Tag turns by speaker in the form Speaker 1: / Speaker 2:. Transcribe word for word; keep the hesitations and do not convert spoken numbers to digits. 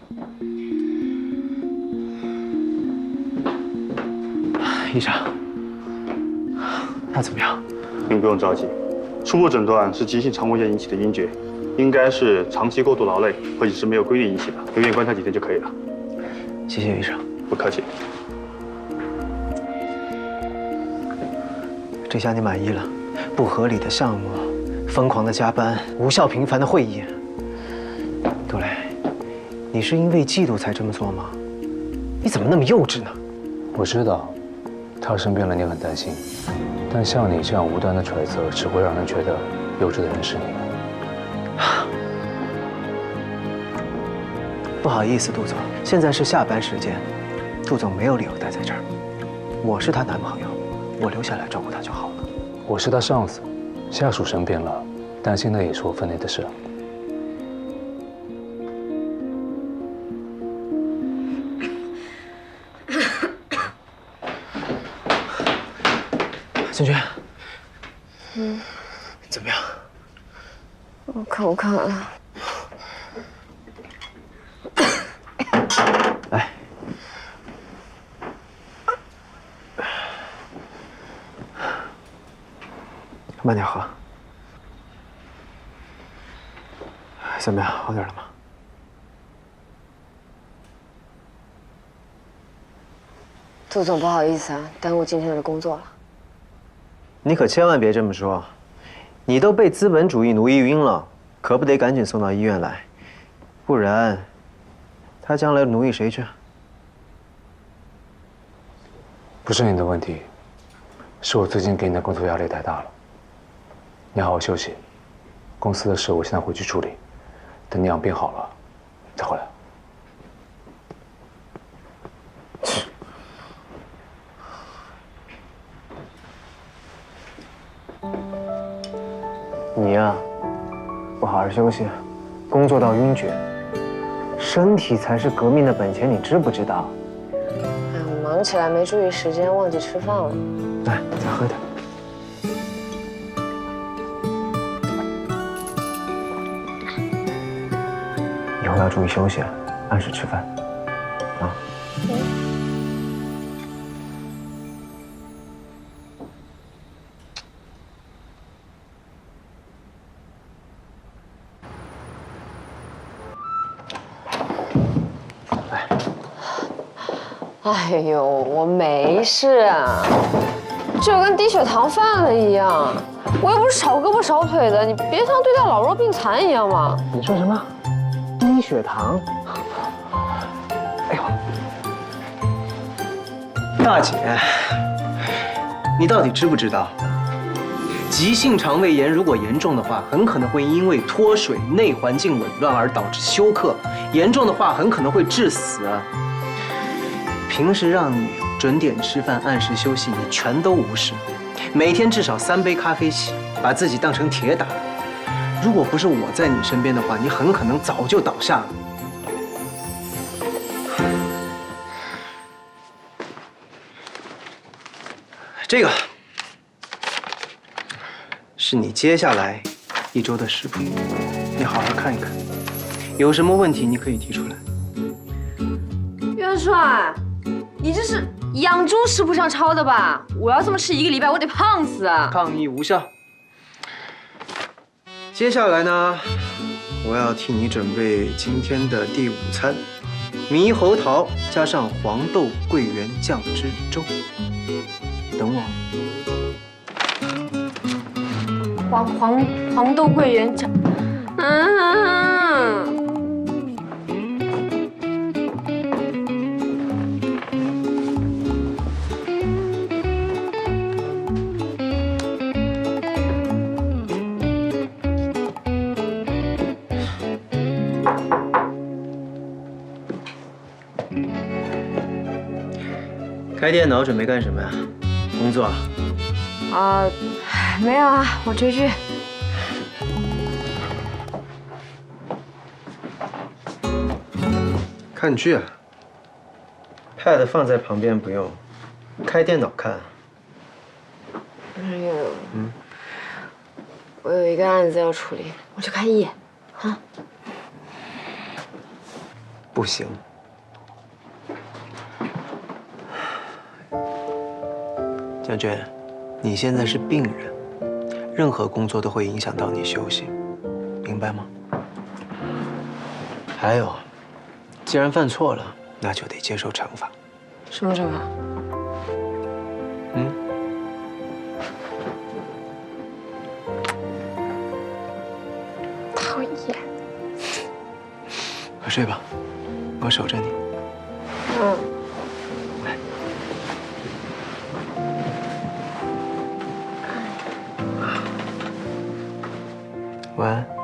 Speaker 1: 医生，他怎么样？
Speaker 2: 您不用着急，初步诊断是急性肠胃炎引起的晕厥，应该是长期过度劳累或者是没有规律引起的，留院观察几天就可以了。
Speaker 1: 谢谢医生。
Speaker 2: 不客气。
Speaker 1: 这下你满意了？不合理的项目，疯狂的加班，无效频繁的会议。杜蕾，你是因为嫉妒才这么做吗？你怎么那么幼稚呢？
Speaker 3: 我知道，他生病了，你很担心。但像你这样无端的揣测，只会让人觉得幼稚的人是你。
Speaker 1: 不好意思，杜总，现在是下班时间，杜总没有理由待在这儿。我是她男朋友，我留下来照顾她就好了。
Speaker 3: 我是他上司，下属生病了，担心那也是我分内的事。
Speaker 1: 芊芊，
Speaker 4: 嗯，
Speaker 1: 怎么样？
Speaker 4: 我口渴了。
Speaker 1: 来，慢点喝。怎么样，好点了吗？
Speaker 4: 杜总，不好意思啊，耽误今天的工作了。
Speaker 1: 你可千万别这么说，你都被资本主义奴役晕了，可不得赶紧送到医院来，不然，他将来奴役谁去？
Speaker 3: 不是你的问题，是我最近给你的工作压力太大了。你好好休息，公司的事我现在回去处理，等你养病好了再回来。
Speaker 1: 你呀，不好好休息，工作到晕厥，身体才是革命的本钱，你知不知道？
Speaker 4: 哎，我忙起来没注意时间，忘记吃饭了。
Speaker 1: 来，再喝点。以后要注意休息，按时吃饭，啊。
Speaker 4: 哎呦，我没事啊，就跟低血糖犯了一样。我又不是少胳膊少腿的，你别像对待老弱病残一样嘛。
Speaker 1: 你说什么？低血糖？哎呦，大姐，你到底知不知道？急性肠胃炎如果严重的话，很可能会因为脱水、内环境紊乱而导致休克，严重的话很可能会致死。平时让你准点吃饭、按时休息，你全都无视。每天至少三杯咖啡起，把自己当成铁打。如果不是我在你身边的话，你很可能早就倒下了。这个是你接下来一周的食谱，你好好看一看，有什么问题你可以提出来。
Speaker 5: 元帅，你这是养猪食谱上抄的吧？我要这么吃一个礼拜，我得胖死啊！
Speaker 1: 抗议无效。接下来呢，我要替你准备今天的第午餐：猕猴桃加上黄豆桂圆酱汁粥。等我。
Speaker 5: 黄黄黄豆桂圆酱，嗯。
Speaker 1: 开电脑准备干什么呀？工作啊？
Speaker 5: 啊，没有啊，我追剧。
Speaker 1: 看剧啊 ？Pad 放在旁边不用，开电脑看。
Speaker 4: 哎呦，嗯，我有一个案子要处理，我去开一眼，啊。
Speaker 1: 不行。江娟，你现在是病人，任何工作都会影响到你休息，明白吗？还有，既然犯错了，那就得接受惩罚。
Speaker 4: 什么惩罚？
Speaker 1: 嗯？
Speaker 4: 讨厌。
Speaker 1: 快睡吧，我守着你。
Speaker 4: 嗯。
Speaker 1: 来。晚安。